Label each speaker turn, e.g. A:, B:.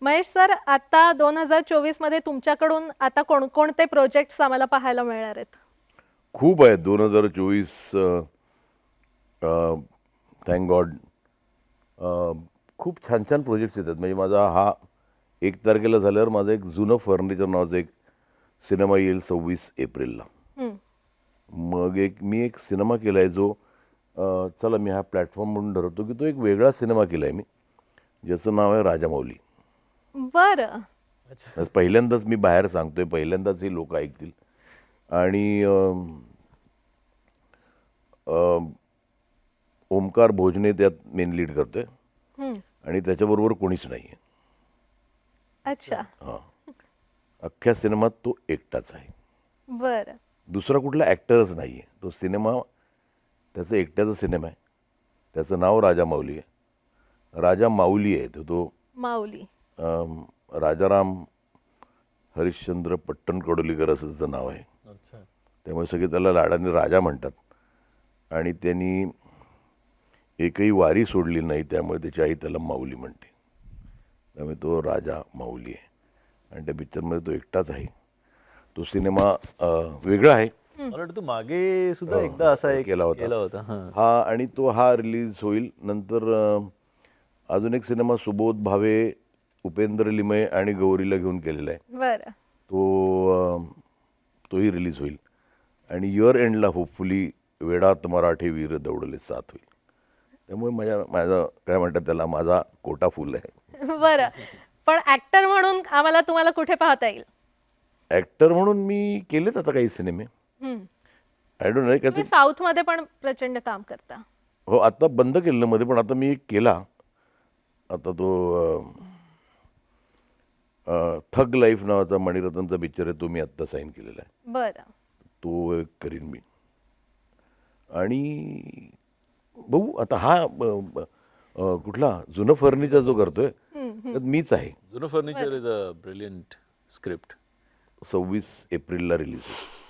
A: Mahesh sir, आता 2024 मध्ये तुमच्याकडून आता कोणकोणते प्रोजेक्ट्स आम्हाला पाहायला मिळणार आहेत?
B: खूप आहेत 2024. थँक गॉड खूप छान छान प्रोजेक्ट्स येतात. म्हणजे माझा हा 1 तारखेला झाल्यावर माझं एक जुनं फर्निचर नावाचा एक सिनेमा येईल 26 एप्रिलला.
A: हं,
B: मग मी एक सिनेमा केला आहे जो चला मी हा प्लॅटफॉर्म म्हणून ठरवतो की तो एक वेगळा सिनेमा केला आहे मी, ज्याचं नाव आहे राजामौली.
A: बरं.
B: आज पहिल्यांदाच मी बाहेर सांगतोय, पहिल्यांदाच हे लोक ऐकतील. आणि ओमकार भोजने त्यात मेन लीड करतोय
A: हं,
B: आणि त्याच्याबरोबर कोणीच नाही आहे.
A: अच्छा.
B: अख्ख्या सिनेमात तो एकटाच आहे.
A: बरं.
B: दुसरा कुठला ॲक्टरच नाही आहे. तो सिनेमा त्याचा एकट्याचा सिनेमा आहे. त्याचं नाव राजा माऊली आहे. राजा माऊली आहे तो
A: माऊली.
B: राजाराम हरिश्चंद्र पट्टणकडोलीकर असं त्याचं नाव आहे.
C: अच्छा.
B: त्यामुळे सगळे त्याला लाडाने राजा म्हणतात. आणि त्यांनी एकही वारी सोडली नाही, त्यामुळे त्याची आई त्याला माऊली म्हणते. त्यामुळे तो राजा माऊली आहे आणि त्या पिक्चरमध्ये तो एकटाच आहे. तो सिनेमा वेगळा आहे.
C: मला वाटतं तू मागे सुद्धा एकदा असा एक
B: केला होता.
C: हां.
B: हा आणि तो हा रिलीज होईल. नंतर अजून एक सिनेमा सुबोध भावे, उपेंद्र लिमये आणि गौरीला घेऊन केलेला आहे.
A: बरं.
B: तोही रिलीज होईल. आणि इयर एंडला होपफुली वेडात मराठे वीर दौडले साथ होईल. त्यामुळे माझा काय म्हणतात त्याला, माझा कोटा फुल आहे.
A: बरं. पण ऍक्टर म्हणून आम्हाला तुम्हाला कुठे पाहता येईल?
B: ॲक्टर म्हणून मी केलेच आता काही सिनेमे.
A: हं.
B: आय डोंट नो
A: तुम्ही साऊथ मध्ये पण प्रचंड काम करता.
B: हो, आता बंद केलेलं मध्ये, पण आता मी एक केला. आता तो थग लाईफ नावाचा मणिरत्नचा पिक्चर आहे, तो मी आत्ता साईन केलेला आहे.
A: बरं.
B: तो एक करीन मी. आणि बघू आता हा कुठला जुनं फर्निचर जो करतोय त्यात मीच आहे.
C: जुनं furniture is a brilliant script.
B: 26 एप्रिलला रिलीज होईल.